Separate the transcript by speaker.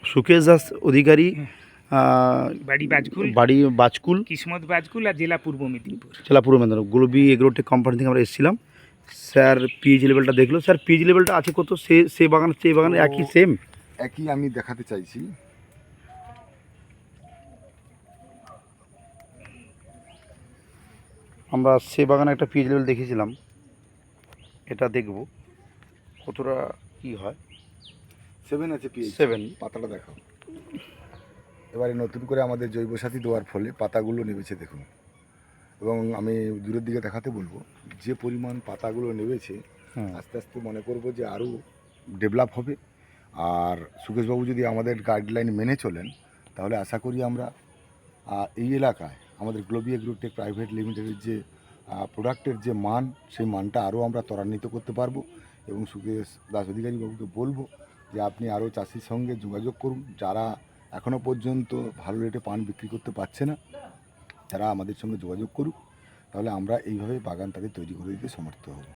Speaker 1: সুকেশ দাস অধিকারী,
Speaker 2: বাড়ি বাজকুল,
Speaker 1: বাড়ি বাজকুল,
Speaker 2: কিসমত বাজকুল, আর জেলা পূর্ব মেদিনীপুর।
Speaker 1: জেলা পূর্ব মেদিনীপুর। গ্লোবি এগ্রোটেক কোম্পানি থেকে আমরা এসেছিলাম। স্যার পিএইচ লেভেলটা দেখলো। স্যার পিএইচ লেভেলটা আছে কত? সে বাগানের চেয়ে এই বাগানের একই সেম?
Speaker 3: একই আমি দেখাতে চাইছি।
Speaker 1: আমরা সে বাগানে একটা পিএইচ লেভেল দেখেছিলাম, এটা দেখব কতটা কি হয়।
Speaker 3: 7 আছে পিএইচ।
Speaker 1: 7।
Speaker 3: পাতাটা দেখাও। এবারে নতুন করে আমাদের জৈব সাথী দেওয়ার ফলে পাতাগুলো নেমেছে দেখুন, এবং আমি দূরের দিকে দেখাতে বলবো যে পরিমাণ পাতাগুলো নেমেছে, আস্তে আস্তে মনে করব যে আরও ডেভেলপ হবে। আর সুকেশবাবু যদি আমাদের গাইডলাইন মেনে চলেন, তাহলে আশা করি আমরা এই এলাকায় আমাদের গ্লোবি এগ্রোটেক প্রাইভেট লিমিটেডের যে প্রোডাক্টের যে মান, সেই মানটা আরও আমরা ত্বরান্বিত করতে পারবো। এবং সুকেশ দাস অধিকারী বাবুকে বলবো যে আপনি আরও চাষির সঙ্গে যোগাযোগ করুন, যারা এখনও পর্যন্ত ভালো রেটে পান বিক্রি করতে পারছে না, তারা আমাদের সঙ্গে যোগাযোগ করুক, তাহলে আমরা এইভাবে বাগান তাদের তৈরি করে দিতে সমর্থ হব।